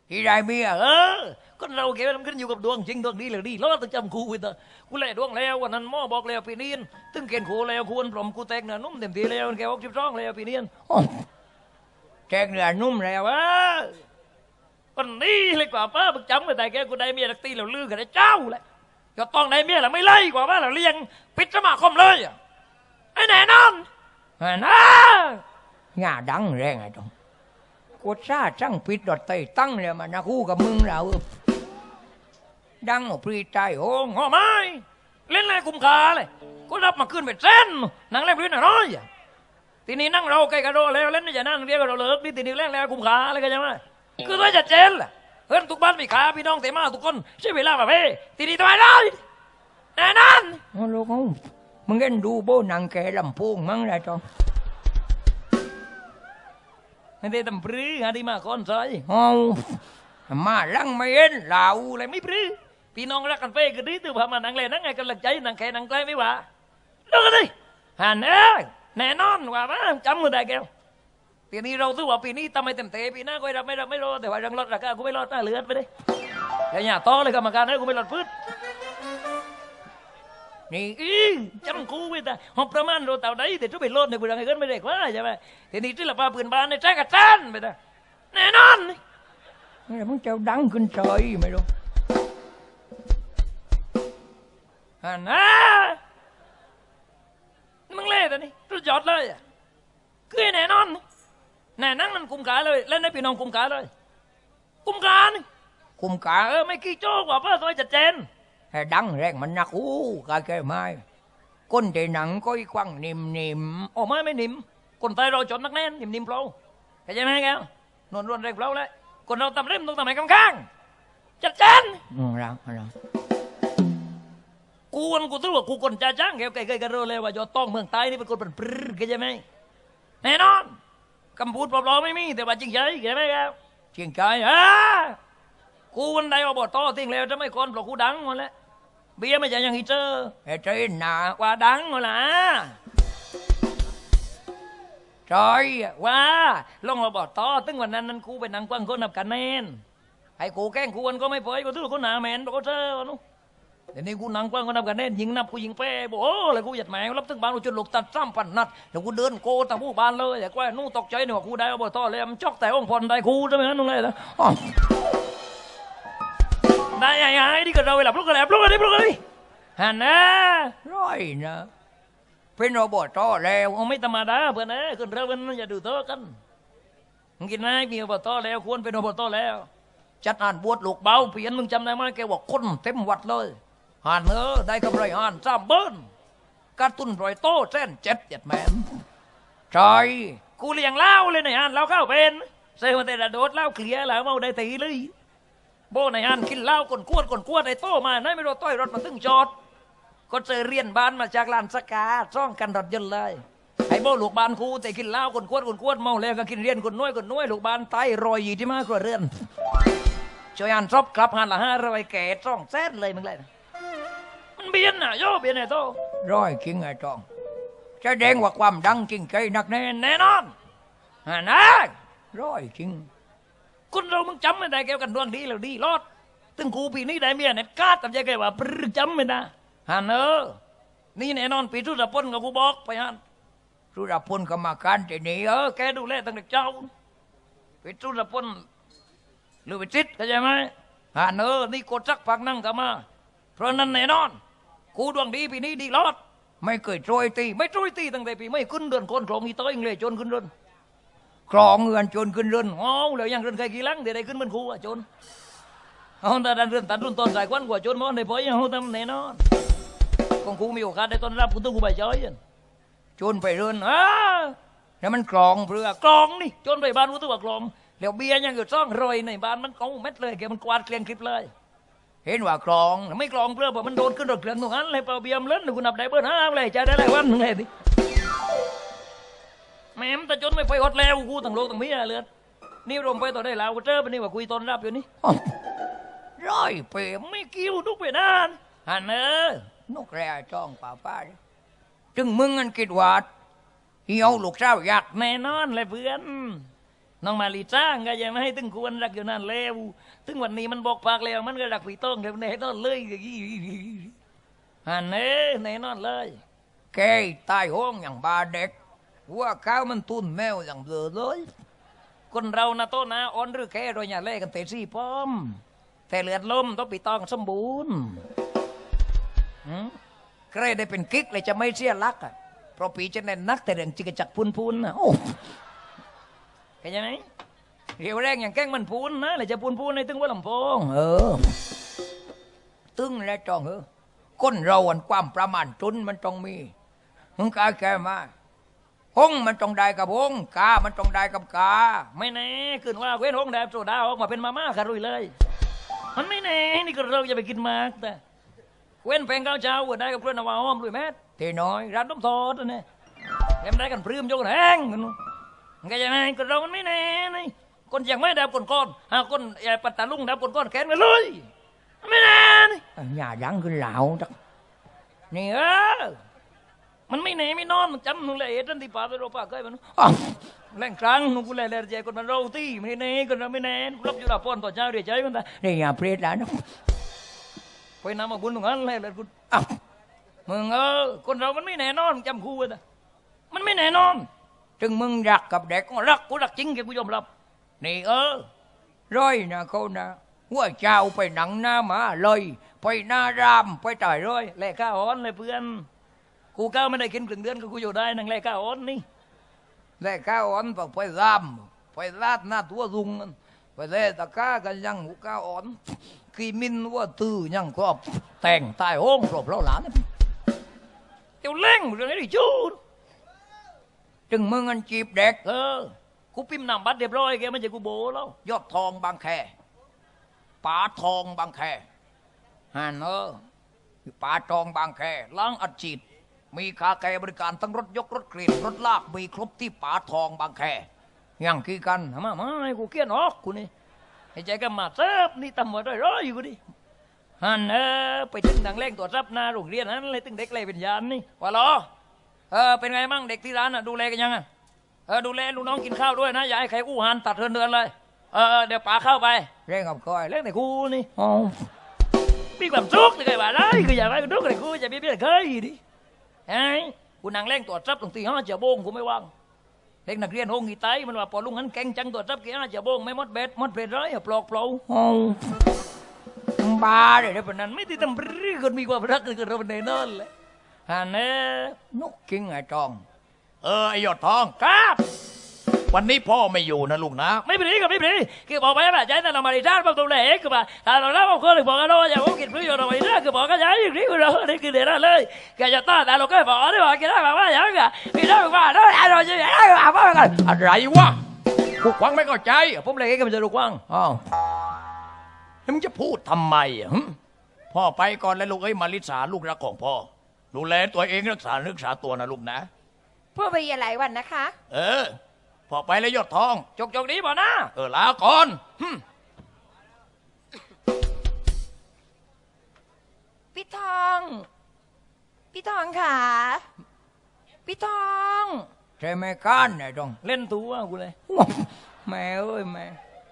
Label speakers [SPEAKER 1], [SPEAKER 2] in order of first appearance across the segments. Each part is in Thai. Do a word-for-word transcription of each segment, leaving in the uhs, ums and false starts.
[SPEAKER 1] ที่ได้เมียเออคนเราเกี่ยวมันขึ้นอยู่กับดวงจริงดวงดีหรือดีแล้วต้องจำคูไว้เถอะกูแลดวงแล้ววันนั้นหมอบอกแล้วปีนี้ตึงเกณฑ์คูแล้วควรพร้อมกูแตกเนื้อนุ่มเต็มทีแล้วแกออกสิบสองแล้วปีนี้แตกเนื้อนุ่มแล้วเออคนนี้เลยกว่าป้าบึกจำไปแต่แกกูได้เมียตักตีแล้วลือกันได้เจ้าแหละก็ต้องได้เมียแล้วไม่ไล่กว่าว่าเราเลี้ยงปิดสมาคมเลยไอ้แน่นอนนะงาดังแรงไอ้ตรงกูซาจังปิดดอดไตตั้งเลยมานะคู่กับมึงเราดังออกปรีใจโอ้งอไม้เล่นอะไรกุมขาเลยก็รับมาขึ้นไปเส้นนั่งเล่นพื้นน้อยทีนี้นั่งเราใกล้กระโดดแล้วเล่นนี่จะนั่งเรียกกระโดดเลิกนี่ทีนี้เล่นแล้วกุมขาอะไรกันยังไงคือว่าจะเจนแหละเพื่อนทุกบ้านมีขาพี่น้องเตมาทุกคนใช้เวลาแบบเฮ้ทีนี้ทำไมได้แน่นอนโอ้ลูกมึงเล่นดูโบนังแกลำพูงมั้งไรจองไม่ได้ทำปรื้อฮะที่มาคอนใส่อ๋อมาลังไม่เห็นเหล่าอะไรไม่ปรื้อพี่น้องรักกันไปกันดีตัวพามานังเลยนังไงกำลังใจนังแค่นังใกล้ไม่ว่าดูกันดิฮันเอ้ยแน่นอนว่าว่าจำมือได้แก้วปีนี้เราถือว่าปีนี้ทำไมเต็มเตะปีหน้าก็รับไม่รับไม่รอแต่ว่ารังรถราคากูไม่รอดหน้าเลือดไปเลยอย่าหยาต้อเลยกรรมการให้กูไม่รอดพื้นนี่อีจำกูไว้แต่หอบประมาณโรต่าได้แต่ทุกไปรถในกูรังไงก็ไม่ได้กว่าใช่ไหมทีนี้ที่เราพาปืนบ้านในแจ้งกับจันไปแต่แน่นอนนี่มึงเจ้าดังขึ้นใจไม่รู้ฮันนะมึงเล่แต่นี่รู้จอดเลยคือแน่นอนแน่นั่งมันกุมขาเลยเล่นให้พี่น้องกุมขาเลยกุมขานี่กุมขาเออไม่กี่โจ้กว่าเพื่อซอยจัดเจนให้ดังแรงมันนักอู้กาแก่ไม้ก้นใจหนังก้อยควังนิ่มนิ่มโอ้ไม่ไม่นิ่มคนไทยเราจนนักแน่นนิ่มนิ่มเปล่าเข้าใจไหมแกนวลนวลแรงเปล่าเลยคนเราตำเล่มต้องทำไมข้างข้างจัดเจนอืมรักรักกูวันกูรู้ว่ากูคนจ่าจ้างแกไก่ไก่กระโดดเลยว่าจะต้องเมืองใต้นี่เป็นคนเป็นปลื้มเข้าใจไหมแน่นอนคำพูดปลอมๆไม่มีแต่ว่าจริงใจเข้าใจไหมครับจริงใจอ่ะกูวันใดว่าบอต่อทิ้งแล้วจะไม่คนเพราะกูดังหมดแล้วเบี้ยไม่ใช่ยังฮีเจอเฮ้ยใจหนาว่าดังหมดละจอยว่าลงมาบอต่อตึงวันนั้นนั้นกูไปนั่งกว้างคนนับกันแน่นไอ้กูแกล้งกูวันก็ไม่เผยกูถือกูหนาแมนบอกเจอนู้เดี๋ยวนี้กูนั่งกว้างคนนับกันแน่นยิงนับกูยิงเป้บอกโอ้เลยกูหยัดแมวรับตึงบ้านกูจนหลกตัดซ้ำปั่นนัดเดี๋ยวกูเดินโกตะผู้บ้านเลยแต่ว่านู้ตกใจหนูกูได้บอต่อเลยมันจอกแต่องค์พรได้กูใช่ไหมนั่นเลยนะได้ยังไงที่ก็เราไปหลับลูกกระแลบลูกกระดิบลูกกระดิฮันนะร้อยนะเป็นโรบอทแล้วไม่ธรรมดาเพื่อนนะขึ้นเรือมันอย่าดูโตกันมึงกินไหมมีโรบอทแล้วควรเป็นโรบอทแล้วจัดอ่านบวชลูกเบาเปลี่ยนมึงจำได้ไหมแกบอกคนเต็มวัดเลยฮันเออได้กำไรฮันสามเบิ้ลการตุนรอยโตเส้นเจ็ดเจ็ดแมนใช่กูเลี้ยงเล่าเลยในฮันเล่าเข้าเป็นเซลล์แต่ละโดดเล่าเคลียร์แล้วเมาได้ตีเลยโบในอันกินเหล้าก่นกวดก่นกวดไอ้โตมาไหนไม่รู้ต้อยรถมาตึงจอดก็เจอเรียนบ้านมาจากลานสกาซ่องกันรถยนต์เลยไอ้โบลูกบ้านคูแต่กินเหล้าก่นกวดก่นกวดเมาแล้วก็กินเรียนก่นน้อยก่นน้อยลูกบ้านไตรอยยี่ที่มากกว่าเรือนช่วยอันซบกลับหันละห้าร้อยแก่ซ่องแซดเลยมึงเลยมันเบียนน่ะโย่เบียนไอ้โตร้อยจริงไอ้จองแสดงว่าความดังจริงใจหนักแน่แน่นอนฮะนะร้อยจริงคนเรามึงจำไม่ได้แกกันดวงดีแล้วดีรอดตึงกูปีนี้ได้เมียเนี่ยกาดกับใจแกว่าปรึจำไม่ได้ฮันเออนี่แน่นอนปีทุรพลกับกูบอกไปฮันทุรพลกรรมการที่นี่เออแกดูแลตั้งแต่เจ้าปีทุรพลหรือไปจิตเข้าใจไหมฮันเออนี่กดซักพักนั่งกันมาเพราะนั้นแน่นอนกูดวงดีปีนี้ดีรอดไม่เคยโจยตีไม่โจยตีตั้งแต่ปีไม่ขึ้นเดือนคนโกงอีโต้ยิงเลยจนขึ้นเดือนครองเงินจนขึ้นเรือนอ๋อแล้วยังเรือนใครกี่ลังเดี๋ยวได้ขึ้นเป็นครูอ่ะจนเอาแต่ดันเรือนตัดรุ่นต้นสายควันกว่าจนมันได้พอยังเอาทำแน่นอนของครูมีโอกาสได้ต้อนรับคุณต้องครูใบจ้อยจนไปเรือนอ่ะแล้วมันกรองเพื่อกรองนี่จนไปบ้านคุณต้องว่ากรองแล้วเบียร์ยังอยู่ซ่องรอยในบ้านมันกองเม็ดเลยแกมันกวาดเกลียงคลิปเลยเห็นว่ากรองไม่กรองเพื่อเพราะมันโดนขึ้นรถเครื่องตรงนั้นเลยเปล่าเบียร์เล่นคุณนับได้เบอร์ห้าเลยจะได้หลายวันนึงเลยดิแม่มแต่จนไม่ไปฮอดแล้วกูตั้งโลกตั้งมีอะไรเลยนี่รวมไปต่อได้แล้วกูเจอไปนี่ว่าคุยตอนรับอยู่นี่ร้อยเปย์ไม่กิ้วทุกเปนานฮันเนอนกแร่จ้องป่าป้าจึงมึงอันกิดวัดเหี่ยวลูกเจ้าอยากแน่นอนเลยเพื่อนน้องมาลีจ้างก็ยังไม่ให้ตึงควรรักอยู่นั่นแล้วตึงวันนี้มันบอกปากแล้วมันก็รักพี่ต้องเดี๋ยวแน่นอนเลยอันนี้แน่นอนเลยแกตายห้องอย่างบาเด็กว่าข้าวมันตุนแมวอย่างเบลอเลยคนเรานะโตนะอ่อนหรือแค่โดยอย่าเล่กันเตะซี่ป้อมแต่เลือดลมต้องปีตองสมบูรณ์ใครได้เป็นกิ๊กเลยจะไม่เสียรักอ่ะเพราะปีจะแน่นนักแต่เรื่องจิกจักพูนพูนนะโอ้เข้าใจไหมเรียวแรงอย่างแกล้งมันพูนนะเลยจะพูนพูนในตึงว่าลำโพงเออตึงแล้วจองเออก้นเราอันความประมาณจุนมันต้องมีมึงกาแกมาหงมันต้องได้กับหงกามันต้องได้กับกาไม่แน่ขึ้นว่าเว้นหงแดบโซดาออกมาเป็นมาม่าคารุยเลยมันไม่แน่นี่ก็เราจะไปกินมากแต่เว้นแพงข้าวเช้าได้กับเพื่อนนาวาหอมด้วยแม่ตีน้อยร้านต้มทอดนี่เล่มได้กันพรื้มโยนแห้งกันนู้นก็ยังไงก็เรามันไม่แน่นี่คนอย่างไม่แดบคนก้อนหาคนปัตตาลุงแดบคนก้อนแขนกันเลยไม่แน่นี่อย่าดังขึ้นเหล่าจักนี่เออมันไม่แน่ไม่นอนมันจำนุ่งเลยทันที่ป่าไปโรป่าเคยมันแรงครั้งนุ่งกูเลยเลยใจคนมันเราที่ไม่แน่คนเราไม่แน่รับอยู่ละป้อนต่อเจ้าเดี๋ยวใจมันตาเนี่ยอย่าเพลียดแล้วนะไปน้ำมาบุญตรงนั้นเลยเลยคุณมึงเออคนเรามันไม่แน่นอนจำคู่เลยมันไม่แน่นอนจึงมึงรักกับเด็กก็รักกูรักจริงแกกูยอมรับนี่เออร้อยนะเขานะหัวเจ้าไปหนังหน้ามาเลยไปหน้ารามไปต่อยร้อยแลกข้าอ้อนเลยเพื่อนกูก้าวไม่ได้กินครึ่งเดือนก็กูอยู่ได้นั่งแลกข้าอ้อนนี่แลกข้าอ้อนไปไปรามไปลาดหน้าตัวรุงไปเล่ตะก้ากันยังหูข้าอ้อนกีมินว่าตื้อยังครอบแต่งตายห้องครบแล้วหลานเจ้าเล่งเรื่องนี้จูดจึงมึงอันจีบเด็กเออกูพิมพ์นำบัตรเรียบร้อยแกมันจะกูโบแล้วยอดทองบางแคป่าทองบางแคฮันเออป่าทองบางแคล้างอัดฉีดมีคาแคบริการทั้งรถยกรถเครนรถลากมีครบที่ป่าทองบางแคยังคือกันมามาให้กูเกี้ยนออกกูนี่ให้ใจกันมาเซิฟนี่ตำรวจได้ร้อยอยู่กูดิฮันเออไปถึงทางเล่งตัวรับหน้าโรงเรียนนั้นเลยถึงเด็กเลยเป็นยานนี่ว่าล้อเออเป็นไงมั่งเด็กที่ร้านอ่ะดูแลกันยังอ่ะเออดูแลลูกน้องกินข้าวด้วยนะอย่าให้ใครอู้หันตัดเทินเดินเลยเออเดี๋ยวป๋าเข้าไปเร่งกับคอยเร่งแต่กูนี่อ๋อมีความสุขเลยไงบ้าเลยคืออย่าไปกูดูเลยกูจะมีเพื่อนเคยดิไอ้กูนั่งเล่งตัวรับตรงที่ห้าเจ้าโบงกูไม่ว่างเด็กนักเรียนห้องกี่ไตมันว่าพอลุงนั้นแกงจังตัวรับกี่ห้าเจ้าโบงไม่มดเบ็ดมดเบ็ดร้อยปลอกเปล่าอ๋อบ้าเลยเดี๋ยวนั้นไม่ได้ทำรีคนมีความรักคือเราเป็นในนั่นเลยฮันเน่นกกิ้งไอ้จองเออไอ้ยอดทองครับวันนี้พ่อไม่อยู่นะลูกนะไม่เป็นไรก็ไม่เป็นไรคือบอกไปแบบใจแต่เรามาดิจ้าบอกตัวเล็กคือแบบถ้าเราเล่าบอกคนหรือบอกกันว่าอย่าบอกกินพื้นอยู่เราไม่ได้คือบอกกันใจอย่างนี้คือเราเนี่ยคือเดี๋ยวเลยแกจะต้านแต่เราก็บอกได้บอกกันได้บอกว่าอย่างนี้พี่ได้บอกว่าได้เราจะได้บอกว่ากันอะไรวะลูกวังไม่เข้าใจผมเลยก็มันจะลูกวังอ๋อแล้วมึงจะพูดทำไมอ่ะพ่อไปก่อนแล้วลูกเอ้ยมาลิสาลูกรักของพ่อดูแลตัวเองรักษารักษาตัวนะลูกนะ
[SPEAKER 2] พ่อไปหลายวันนะคะ
[SPEAKER 1] เออพอไปแล้วยอดทองจกจกนี้บ่นะเออลาก่อน
[SPEAKER 2] พี่ทองพี่ทองค่ะพี่ทอง
[SPEAKER 1] ใช่ไหมก้านเนี่ยจงเล่นตัวกูเลยแม่เอ้ยแม่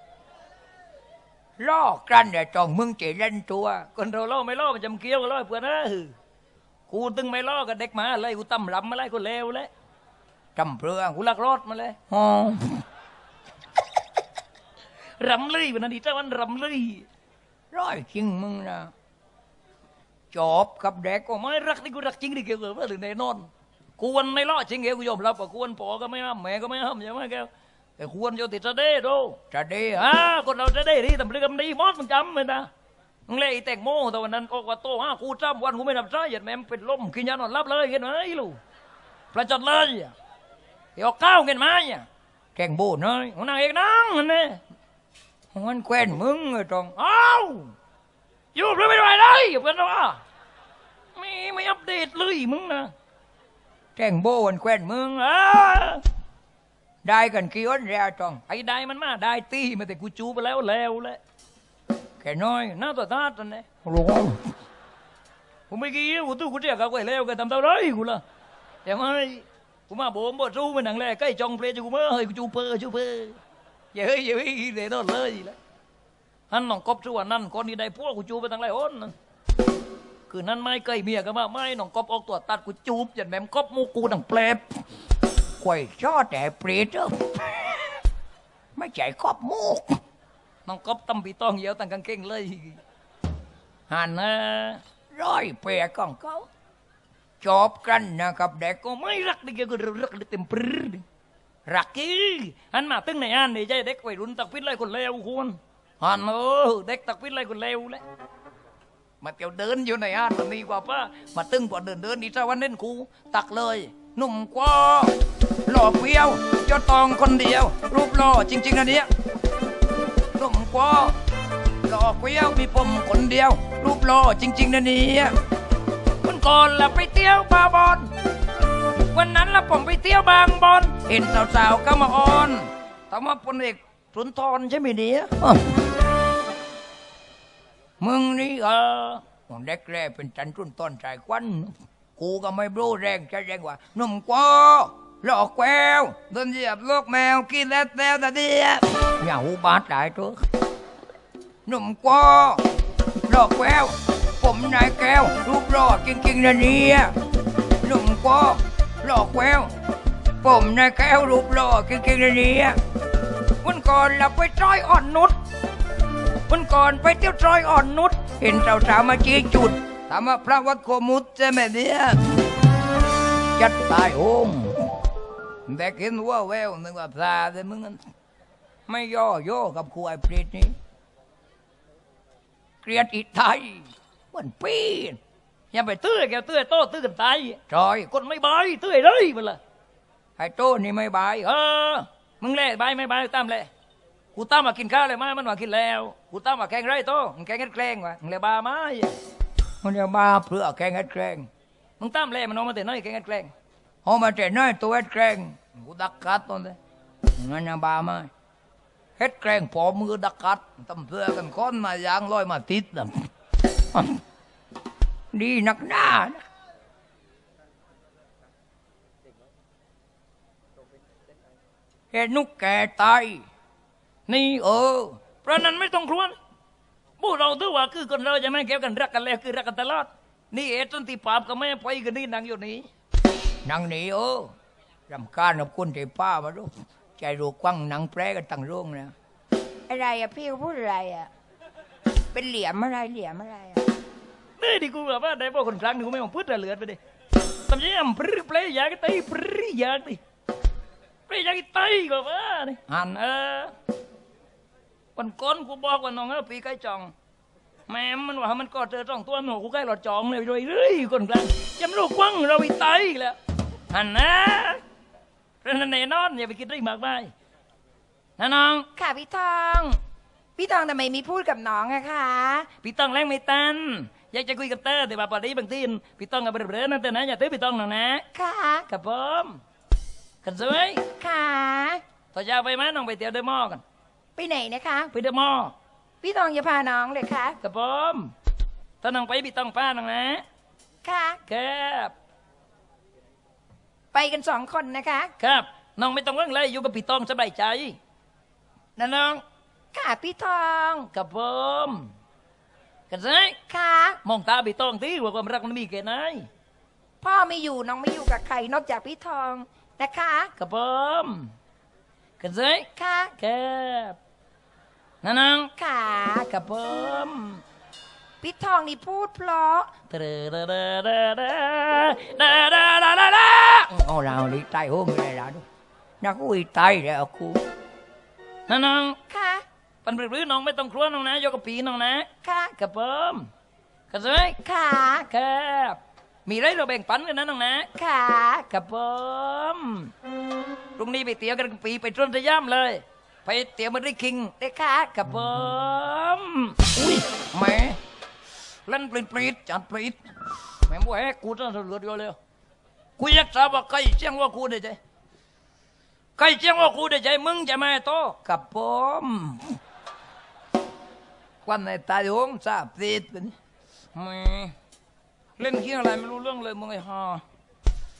[SPEAKER 1] ล่อกันเนี่ยจงมึงจะเล่นตัวคนเราล่อไม่ล่อมันจำเกี้ยวกันล่อเพื่อนนะกูตึงไม่ล่อกับเด็กมาเลยกูตั้มลำมาเลยกูเลวเลยจำเปลืองกูลักรถมาเลยอ๋อรำเลยวันนั้นดีเจ้าวันรำเลยร้อยจริงมึงนะจบกับเด็กก็ไม่รักนี่กูรักจริงดิเกี่ยวกับเรื่องแน่นอนกูวันไม่ล่อจริงเกี่ยวกูยอมรับว่ากูวันปอก็ไม่ห้ามแม่ก็ไม่ห้ามใช่ไหมแกแต่ควรจะติดจะได้ดูจะได้ฮะคนเราจะได้ดีทำเรื่องดีมอสมึงจำเลยนะมึงเล่ไอ้แตงโมแต่วันนั้นก็ว่าโตฮะกูจำวันกูไม่ทำใจหยัดแม่เป็นลมกินยานอนรับเลยเห็นไหมลูกประจันเลยเดี๋ยวก้าวเงินมาเนี่ยแกงโบนเลยมันนางเอกนั่งมันเนี่ยมันแควนมึงไอ้ตรงอ้าวอยู่เพื่อไม่ไหวเลยเพื่อนว่าไม่ไม่อัปเดตเลยมึงนะแกงโบนแควนมึงอ่ะได้กันกี่วันแล้วตรงไอ้ได้มันมาได้ตีมาแต่กูจูไปแล้วแล้วแหละแค่น้อยน่าตัวตาตอนนี้รู้กูไม่กี่กูตู้กูเรียกเขาไปแล้วกันทำเท่าไรกูล่ะแต่ไม่กูมาโบมบ่จูมันหนังแรกใกล้จองเพลย์กูเมื่อเฮ้ยกูจูเปอร์จูเปอร์เย้ยเย้ยเดี๋ยวโดนเลยแล้วอันน้องกบชั่วนั่นคนนี้ได้พวกกูจูไปตั้งหลายคนนั่นคือนั่นไม่เคยเมียกันมาไม่น้องกบออกตัวตัดกูจูบยันแม่มกบมูกูดังเปลบควยชอแต่เปรตเอ้อไม่ใจกบมูกน้องกบตำปีตองเหี่ยวตั้งกางเกงเลยหันนะร้อยเปรกของเขาจบกันนะครับเด็กก็ไม่รักดิแกก็รักดิเต็มปรื้ดรักกี้หันมาตึ้งในอันนี่ใจเด็กวัยรุ่นตักพิษไล่คนเลวคุณหันเออเด็กตักพิษไล่คนเลวเลยมาเที่ยวเดินอยู่ในอันมันดีกว่าป้ามาตึ้งกว่าเดินเดินดีซะวันเล่นกูตักเลยหนุ่มกว่าหล่อเฟี้ยวยอดตองคนเดียวรูปหล่อจริงๆนะเนี้ยหนุ่มกว่าหล่อเฟี้ยวมีผมคนเดียวรูปหล่อจริงๆนะเนี้ยวันก่อนละไปเที่ยวบาบอนวันนั้นละผมไปเที่ยวบางบอนเห็นสาวๆก็มาออนแต่ว่าพลเอกสุนทรใช่ไหมเนี่ยมึงนี่เออเด็กแรกเป็นจันทุนต้นสายควันกูก็ไม่รู้แรงจะแรงกว่าหนุ่มกว่าหลอกแววเดินเหยียบลูกแมวกินแล้วแล้วแต่เดียอย่าหูบาดได้ตัวหนุ่มกว่าหลอกแววผมนายแก้วรูปหล่อจริงๆนะเนี่ยหนุ่มกว่าหลอกแววผมนายแก้วรูปหล่อจริงๆนะเนี่ยวันก่อนเราไปจอยอ่อนนุชวันก่อนไปเที่ยวจอยอ่อนนุชเห็นสาวๆมาชี้จุดถามว่าพระวัดโคมุตใช่ไหมเนี่ยจัดตายโหงแต่เห็นว่าแววนึกว่าพระแต่มึงไม่ย่อย่อกับครูไอ้ปริตนี่เกลียดอีไทยมันปีนอย่าไปตื้อแกตื้อโต้ตื้อกันตายจอยคนไม่บายตื้อเลยมันละไอ้โต้นี่ไม่บายเออมึงเล่บายไม่บายตามเลยกูตามมากินข้าวเลยมั้ยมันว่ากินแล้วกูตามมาแกงไรโต้มึงแกงแกล้งวะมึงเลยบาไหมมันจะบาเพื่อแกงแกล้งมึงตามเลยมันเอามาแต่น้อยแกงแกล้งเอามาแต่น้อยตัวแกล้งกูดักกัดตอนนี้งั้นจะบาไหมเฮ็ดแกล้งพอมือดักกัดตำเพื่อกันค้อนมายางลอยมาติดนะดีนักหน้าเห็นนุกแก่ตายนี่เออเพราะนั้นไม่ต้องครวญพวกเราถือว่าคือคนเราจะไม่เกี่ยวกันรักกันแล้วคือรักกันตลอดนี่เอต้นที่ปราบก็ไม่ไปกันนี่นางอยู่นี่นางนี่เออรำคาญกับคนที่ป้ามาดูใจรูกว้างนางแปรกันตั้งโรงนะอะไรอะพี่เขาพูดอะไรอะเป็นเหลี่ยมอะไรเหลี่ยมอะไรอะนี่ดิกูแบบว่าได้พวกคนครั้งนึงกูไม่มองพูดระเลือดไปดิทำยังไงปรื้อเปลยยากไตปรื้อยากดิเปลยยากไตก็ว่านี่หันเออวันก้นกูบอกว่าน้องเออปีใกล้จองแม่มันว่ามันก็เจอจ้องตัวหนูกูใกล้หลอดจองเลยเลยเรื่อยคนกลางจำลูกกว้างเราอีไตแล้วหันนะเพราะนั้นแน่นอนอย่าไปคิดเรื่องมากมายนะน้องค่ะพี่ทองพี่ทองทำไมมีพูดกับน้องอะคะพี่ทองแรงไม่ตันอยากจะคุยกับเต้แต่ว่าพอดีบางทีพี่ทองกับเบรอๆนั่นแต่นะอย่าตื้อพี่ทองหน่อยนะค่ะกับผมกันสวยค่ะต่อยาวไปไหมน้องไปเที่ยวเดอะมอลล์กันไปไหนนะคะไปเดอะมอลล์พี่ทองจะพาน้องเลยค่ะกับผมถ้าน้องไปพี่ทองพาน้องนะค่ะครับไปกันสองคนนะคะครับน้องไม่ต้องเรื่องอะไรอยู่กับพี่ทองสบายใจนะน้องค่ะพี่ทองกับผมกันสิค่ะมองตาพี่ทองที่ว่าความรักมันมีแค่ไหนพ่อไม่อยู่น้องไม่อยู่กับใครนอกจากพี่ทองนะคะกับผมกันสิค่ะครับนะน้องค่ะกับผมพี่ทองนี่พูดเพราะเดอเดอเดอเดอเดอเดอเดอเดอเดอเดอโอ้เราลิตายโอ้ไม่ได้แล้วนักอุ้ยตายแล้วกูนะน้องค่ะปันปรื้อน้องไม่ต้องครัวน้องนะโยกปีน้องนะค่ะกับผมกันสิค่ะครับมีไรเราแบ่งปันกันนะน้องนะค่ะกับผมพรุ่งนี้ไปเตี๋ยวกันปีไปตรนสยามเลยไปเตี๋ยวมันได้คิงได้ค่ะกับผมอุ้ยแม่เล่นปลิดปลิดจัดปลิดแม่บัวแฮกูต้องสรุปเดียวเลยกูอยากทราบว่าใครเชียงว่ากูได้ใจใครเชียงว่ากูได้ใจมึงจะมาโตกับผมควันในตาโยงทราบติดเป็นแม่เล่นเคี้ยอะไรไม่รู้เรื่องเลยมึงไอ้ห่อ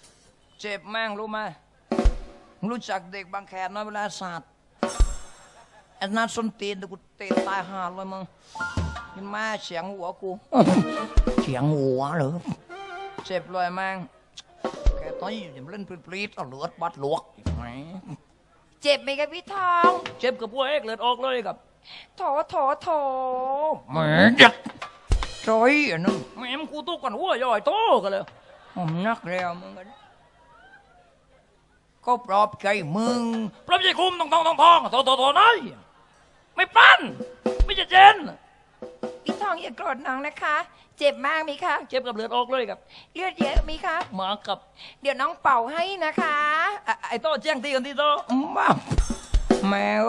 [SPEAKER 1] เจ็บแม่งรู้ไหมรู้จักเด็กบางแคน้อยเวลาศาสตร์ไอ้นาส้นตีนแต่กูเตะตายห่าเลยมึงยินมาเสียงหัวกูเสียงหัวเหรอเจ็บเลยแม่งแกตอนนี้อย่ามาเล่นปรีดๆเอาเลือดบัดลวกไหม
[SPEAKER 2] เจ็บไหมครับพี่ทอง
[SPEAKER 1] เจ็บกับพวกเอกเลือดออกเลยครับ
[SPEAKER 2] โถโถโถ
[SPEAKER 1] แหมจัดจอยอันนึงแม่มกูตุกกันหัวย่อยโตกันเลยผมนักแล้วมึงกันก็ปลอบใจมึงปลอบใจคุมทองทองทองทองโตโตโตน้อยไม่ปั้นไม่จะเจน
[SPEAKER 2] พี่ทองอย่าโกรธน้องนะคะ เจ็บมากไหมคะ
[SPEAKER 1] เจ็บกับเลือดออกเลยครับ
[SPEAKER 2] เลือดเยอะไหมคะ
[SPEAKER 1] หมากับ
[SPEAKER 2] เดี๋ยวน้องเป่าให้นะคะ
[SPEAKER 1] ไอ้ไอ้โตแจ้งตีกันที่โตมาแมว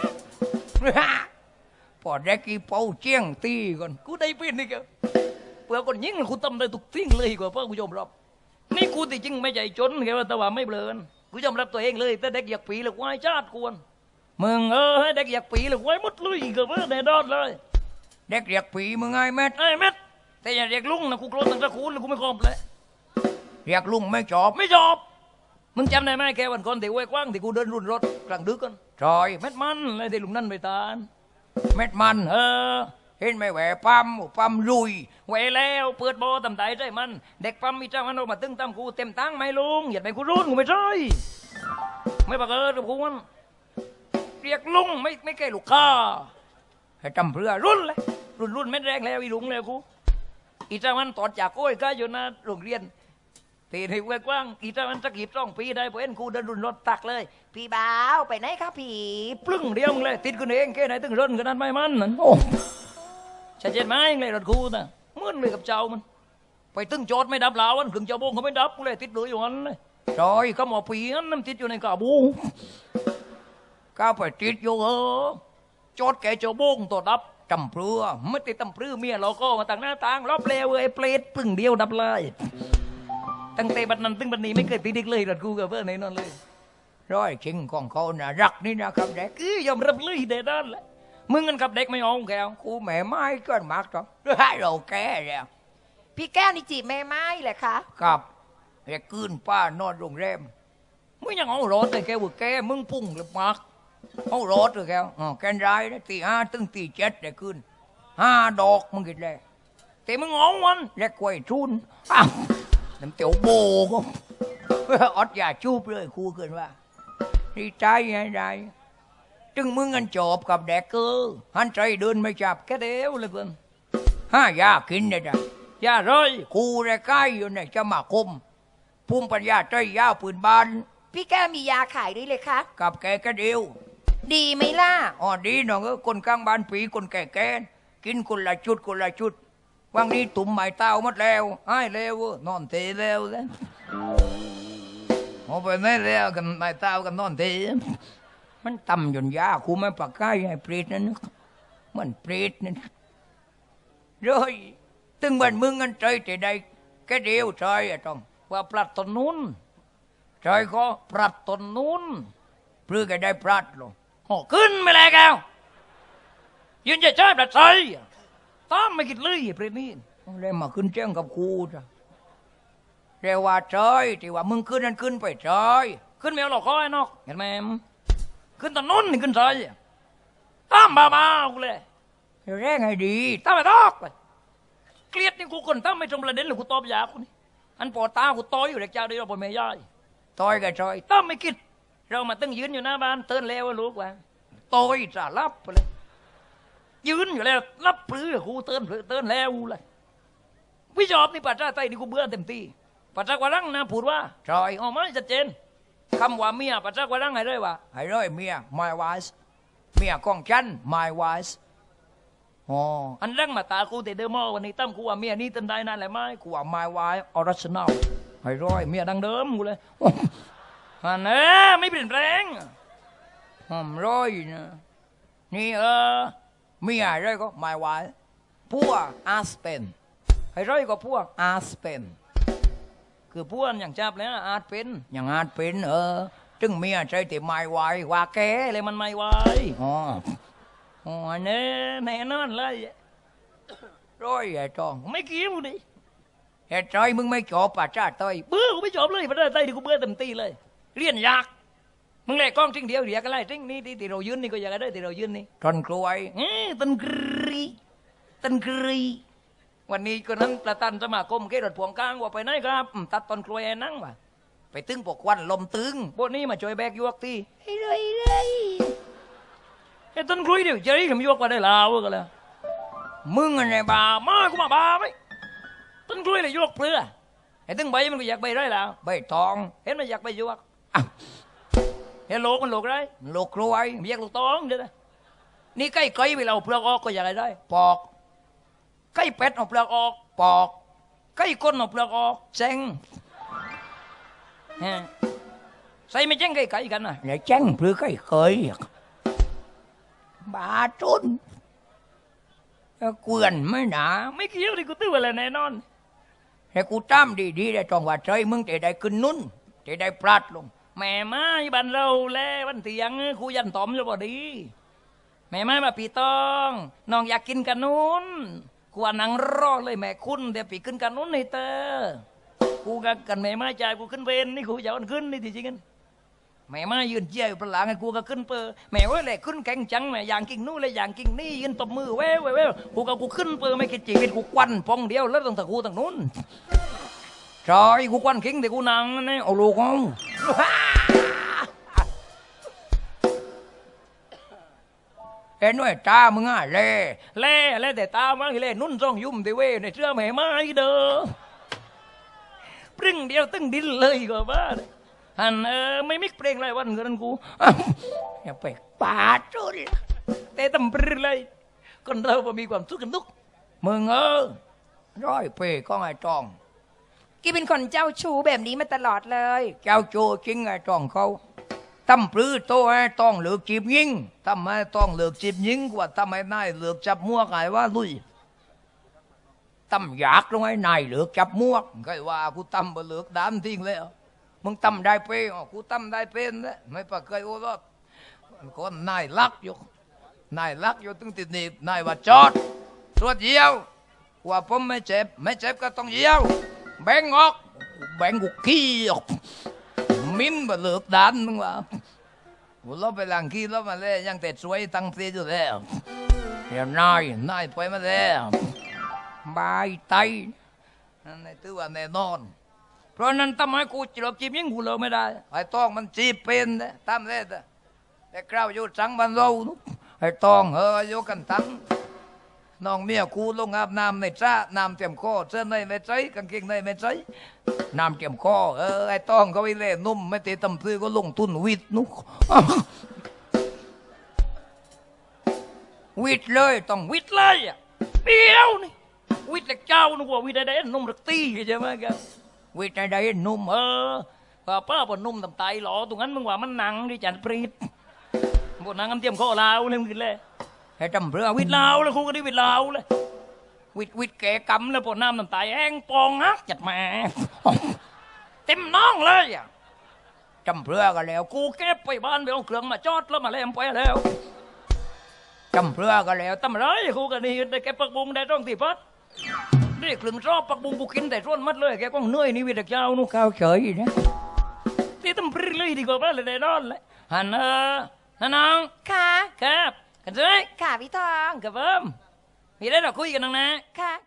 [SPEAKER 1] พอได้กี่เป่าเจียงตีก่อนกูได้เป็นนี่แกเพื่อคนยิงกูทำได้ทุกสิ่งเลยกว่าเพื่อกูยอมรับนี่กูที่จริงไม่ใจจนแค่ว่าแต่ว่าไม่เบลอนกูยอมรับตัวเองเลยแต่เด็กอยากปีหรือวายชาติกวนมึงเออให้เด็กอยากปีหรือวายมุดลุยกับเพื่อแน่นอนเลยเด็กอยากปีมึงไงแม่ไอ้แม่แต่อย่าเรียกลุงนะกูโกรธตั้งแต่คูนแล้วกูไม่คอมเลยเรียกลุงไม่จอบไม่จอบมึงจำได้ไหมแค่วันก่อนที่ห้วยกว้างที่กูเดินรุ่นรถกลางดึกกันจอยเม็ดมันเลยที่ลุงนั่นไปตานเม็ดมันเออเห็นไหมแหวปั๊มปั๊มลุยแหวแล้วเปิดโบตำไตใจมันเด็กปั๊มมีเจ้ามันออกมาตึ้งตั้มกูเต็มตั้งไหมลุงอย่าไปกูรุ่นกูไม่ใช่ไม่ปากเออกับกูมันเรียกลุงไม่ไม่แก่ลูกค้าให้จำเพื่อรุ่นเลยรุ่นรุ่นเม็ดแรงแล้วอีลุงแล้วกูอีเจ้ามันตอดจากก้อยก็อยู่นะโรงเรียนตีในห้วยกว้างอีเจ้ามันสักกี่ต้องปีได้เพราะเอ็นกูเดินรุ่นรถตักเลย
[SPEAKER 2] พี่บ่าวไปไหนครับพี่
[SPEAKER 1] ปลึ้งเดียวมึงเลยติดกันเองแค่ไหนตึงร่นกันนั้นไม่มันนั่นโอ้ชัดเจนไหมเลยรถกูน่ะเหมือนเลยกับเจ้ามันไปตึงจอดไม่ดับลาวมันถึงเจ้าโบงเขาไม่ดับกูเลยติดเลยอยู่นั้นเลยจอยก็หมอปีนั้นน้ำติดอยู่ในกาบูก้าไปติดอยู่เออจอดแกเจ้าโบงตัวดับจำเปลือไม่ติดจำเปลือเมียเราก็มาต่างหน้าต่างรอบเลวไอ้เปรตปลึ้งเดียวดับเลยตั้งแต่บัดนั้นตึงบัดนี้ไม่เคยติดอีกเลยรถกูกับเพื่อนในนั้นเลยร้อยจริงของเขาน่ะรักนี่นะครับเด็กคือยอมรับเลยเด็ดนั่นแหละมึงกันกับเด็กไม่เอาแกกูแม่ไม้ก็มากจ้ะให้เราแก่แล้ว
[SPEAKER 2] พี่แก้วนี่จีบแม่ไม้แหละคะ
[SPEAKER 1] ครับไอ้คืนป้านอนโรงแรมมึงยังเอารถเลยแกว่าแกมึงพุ่งหรือมากเอารถเลยแกอ๋อแกนร้ายนะตีห้าตึงตีเจ็ดได้คืนห้าดอกมึงกินเลยแต่มึงเอาวันแลกกล้วยทุนอ้าวน้ำเตี๋ยวโบก็อดอย่าจูบเลยครูเกินว่าดีใจไงได้จึงมึงกันจบกับแดกเกอร์หันใจเดินไม่จับแค่เดียวเลยเกินห้ายากินได้จ้ะยาเลยครูได้ใกล้อยู่ในจะมาคมภูมิปัญญาใจยาวปืนบาน
[SPEAKER 2] พี่แก้วมียาขายด้วยเลยคะ
[SPEAKER 1] กับแกแค่เดียว
[SPEAKER 2] ดีไหมล่ะ
[SPEAKER 1] อ๋อดีน้องเออคนกลางบ้านปีคนแก่แกกินคนละชุดคนละชุดวันนี้ตุ่มไม้เต้าหมดแล้วไอ้แล้วนอนเทแล้วแล้วเอาไปไหนแล้วกันไม้เต้ากันนอนเทมันต่ำจนยาคูไม่ปากกายไอ้เปรตนั่นมันเปรตนั่นเลยตึงวันมึงกันใจแต่ใดแค่เดียวใจอะต้องว่าปลัดตนนู้นใจก็ปลัดตนนู้นเพื่อแกได้ปลัดลงโอ้ขึ้นไม่เลยแกวยืนจะใช้ปลัดใจตามไม่คิดเลยเปรตนี่เลยมาขึ้นแจ้งกับครูจ้ะเรียกว่าใจที่ว่ามึงขึ้นนั่นขึ้นไปใจขึ้นไม่เอาหรอกข้อยนอกเห็นไหมขึ้นตอนนู้นนี่ขึ้นใจตามบ้าๆกูเลยแรงไงดีตามไปตอกเลยเกลียดนี่กูคนตามไม่ตรงประเด็นหรือกูตอบยากูนี่อันปอตากูต่อยอยู่เด็กเจ้าเดียวบนเมย์ย่อยต่อยกับใจตามไม่คิดเรามาตั้งยืนอยู่หน้าบ้านเตือนแล้วลูกว่าต่อยจะรับไปเลยยืนอยู่แล้วรับปลื้อกูเตือนเตือนแล้วเลยวิจอบนี่ปัจจัยไตนี่กูเบื่อเต็มที่ปัจจัยกว่ารังนะพูดว่าใจออกมาชัดเจนคำว่าเมียปัจจัยกว่ารังให้เลยว่าให้เลยเมีย my wife เมียของฉัน my wife อ๋ออันรังมาตากูแต่เดิมวันนี้ตั้มกูว่าเมียนี่ตันได้นั่นแหละไหมกูว่า my wife original ให้ร้อยเมียดังเดิมกูเลยอันนี้ไม่เปลี่ยนแปลงหอมร้อยนะนี่เออเมียอะไรก็ my wife พวก aspen ให้ร้อยก็พวก aspen คือพวกอย่างจับแล้วอาจเป็นอย่างอาจเป็นเออจึงเมียใจแต่ไม่ไหวว่าแกเลยมันไม่ไหวอ๋ออ๋อเนี่ยแน่นอนเลยร้อยไอ้จองไม่เกี่ยวดิไอ้ใจมึงไม่จบป่ะจ้าเตยเบื่อกูไม่จบเลยป่ะจ้าเตยดิกูเบื่อเต็มตีเลยเรียนยากมึงเล่กล้องทิ้งเดียวเดียวกันไล่ทิ้งนี่ที่ที่เรายืนนี่ก็อยากได้ที่เรายืนนี่ต้นกล้วยเอ้ยต้นกรีต้นกรีวันนี้ก็นั้นประธานสมาคมเกษตรพวงกลางว่าไปไหนครับอืมตัดต้นกล้วยให้นั่งว่ะไปตึงปกควันลมตึงพวกนี้มาช่วยแบกยวกทีให้เลยเลยไอ้ต้นกล้วยเดี๋ยวจะได้ขมยวกมาได้ลาวกันแล้วมึงอะไรบ้ามากูมาบ้าไหมต้นกล้วยเลยยวกเปลือไอ้ตึงใบมันก็อยากใบได้แล้วใบทองเห็นมันอยากใบยวกเฮลโลกมันโลกได้โลกรวยมีอยากลูกตองเด้อนี่ใกล้ไกลไปเราเปลือกออกก็อยากได้ปอกใกล้เป็ดเอาเปลือกออกปอกใกล้ก้นเอาเปลือกออกเจ๊งใส่ไม่เจ๊งใกล้ไกลกันนะอย่าเจ๊งเปลือกใกล้เคยบาจุนเกวียนไม่หนาไม่เกี่ยวดิกูตื้ออะไรแน่นอนให้กูตามดีๆได้จองว่าใจมึงจะได้ขึ้นนุ่นจะได้ปลัดลงแม่ไม้บันเราแลวันเตียงครูยันตอมจะบ่ดีแม่ไม้มาปีตองน้องอยากกินกันนู้นกูนังรอเลยแม่คุณเดี๋ยวปีขึ้นกันนู้นให้เตอกูกันกันแม่ไม้ใจกูขึ้นเวนนี่กูจะเอาขึ้นนี่จริงกันแม่ไม้ยืนเจียวประหลาดไงกูก็ขึ้นเปอแม่ว่าเลยขึ้นแข่งจังแม่อย่างกิ่งนู้นเลยอย่างกิ่งนี่ยืนตบมือแว่วแว่วกูก็กูขึ้นเปอไม่คิดจีวิตกูควันพองเดียวแล้วตั้งแต่กูตั้งนู้นใช่กูควันคิงแต่กูนังนี่เอาลูกเอาเอ็นด้วยตามึงอ่ะเล่เล่เล่แต่ตามึงเล่นุ่นจ้องยุ่มแต่เว้ในเชื่อแม่ไม้เด้อปรึ้งเดียวตึ้งดินเลยก็บ้าฮันเออไม่มิกเพลงไรวันเงินกูอย่าไปปาจุลแต่ตำปรึ้งเลยคนเราบ่มีความสุขกันทุกมึงเออร้อยเปก็ไอ้จอง
[SPEAKER 2] กี่เป็นคนเจ้าชู้แบบนี้มาตลอดเลย
[SPEAKER 1] เจ้าโจจริงไอ้จองเขาทำปลื้โตไอ้ต้องเหลือกจีบยิงทำไมต้องเหลือกจีบยิงกว่าทำไมนายเหลือกจับมั่วไงว่าลุยทำอยากลงไอ้นายเหลือกจับมั่วไงว่ากูทำบ่เหลือกดามทิ้งเลยมึงทำได้เป้อ๋อกูทำได้เป็นนะไม่ปะเคยโอ้รอดคนนายรักอยู่นายรักอยู่ตึงติดหนีบนายว่าจอดตรวจเยี่ยวว่าผมไม่เจ็บไม่เจ็บก็ต้องเยี่ยวแบ่งออกแบ่งกูขี้ออกมิ้นบ่เลือกดันมึงว่ากูลบไปหลังขี้ลบมาเลยยังแต่สวยตั้งเสียอยู่แล้วเดี๋ยวนายนายไปมาแล้วบายไตนั่นในตัวว่าแน่นอนเพราะนั้นทำไมกูจีบจีบยิงกูเลิกไม่ได้ไอ้ต้องมันจีบเป็นนะทำได้แต่แต่คราวอยู่จังบันเราไอ้ต้องเอออยู่กันทั้งน้องเมียกูลงอาบน้ำในจ้าน้ำเตรียมคอเสื้อในไม่ใช่กางเกงในไม่ใช่น้ำเตรียมคอเออไอ้ต้องเขาไปเล่นนุ่มไม่ตีตำซื้อก็ลงทุนวิดนุกวิดเลยต้องวิดเลยอ่ะเดียวนี่วิดแต่เจ้านึกว่าวิดได้นุ่มรักตีใช่ไหมครับวิดได้นุ่มเออป้าป้าบนนุ่มตำไตหล่อตรงนั้นมึงว่ามันหนังดิจันปรีดบนหนังน้ำเตรียมคอลาวเลยมึงกินเลยให้จำเรือวิดลาวเลยครูก็ได้วิดลาวเลยวิดวิดแกกำเลยปวดน้ำน้ำตาแห้งปองฮักจัดมาเต็มน้องเลยอ่ะจำเรือกันแล้วกูเก็บไปบ้านไปเอาเครื่องมาจอดแล้วมาเล่มไปแล้วจำเรือกันแล้วตำไรครูก็นี่ได้แกปักบุงได้ต้องตีพัดได้เครื่องชอบปักบุงกูกินแต่ส่วนมัดเลยแกก็เหนื่อยนี่วิดเจ้านู่ข้าวเฉยนะที่ตำปรีเลยดีกว่าเลยได้นอนเลยฮันเออฮันน้อง
[SPEAKER 2] ค่ะ
[SPEAKER 1] ครับกันเลย
[SPEAKER 2] ค่ะพี่ทอง
[SPEAKER 1] กับเพิ่มมีได้เราคุยกันน้องนะ
[SPEAKER 2] ค่ะ